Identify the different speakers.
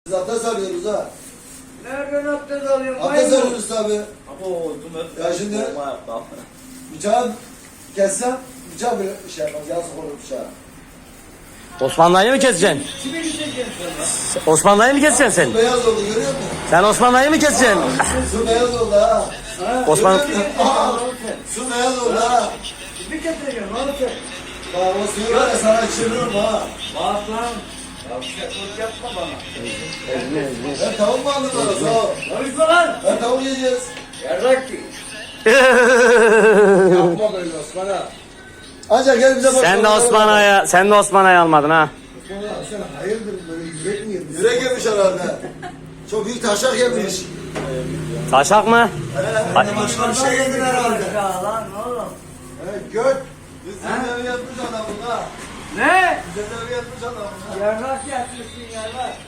Speaker 1: Biz abdest alıyoruz ha.
Speaker 2: Nereden abdest alıyorum?
Speaker 1: Abdest alıyoruz tabi.
Speaker 3: Ya
Speaker 1: şimdi bıçağı kessem bıçağı böyle şey yapmaz. Yazık olur bıçağı.
Speaker 4: Osman dayı mı keseceksin?
Speaker 2: Kimi gideceksin sana?
Speaker 4: Osman dayı mı keseceksin sen?
Speaker 1: Su beyaz oldu görüyor musun?
Speaker 4: Sen Osman dayı mı keseceksin?
Speaker 1: Su beyaz oldu ha.
Speaker 4: Osman
Speaker 1: Su beyaz oldu ha.
Speaker 2: Kimi getireceksin oğlum sen?
Speaker 1: Bak o suyu var ya sana çeviririm ha.
Speaker 2: Bak lan. Yavşaklık yapma bana.
Speaker 1: Ben tavuk mu aldım bana sağ ol.
Speaker 2: Konuşma lan.
Speaker 1: Ben tavuk yiyeceğiz.
Speaker 2: Yarrak ki. Yapma böyle Osman'a.
Speaker 1: Ancak gel bize
Speaker 4: sen de Osman Ay'ı almadın ha.
Speaker 1: Osman'a sen hayırdır böyle yürek mi yemiş? Yürek yemiş herhalde. Çok büyük taşak yemiş.
Speaker 4: Taşak mı?
Speaker 1: Başka bir şey yedin herhalde.
Speaker 2: Ya lan oğlum.
Speaker 1: Evet göt. Biz senin evi yatmış adamın ha.
Speaker 2: Ne?
Speaker 1: Biz senin evi yatmış adamın ha.
Speaker 2: Yarrak yatmışsın yarrak.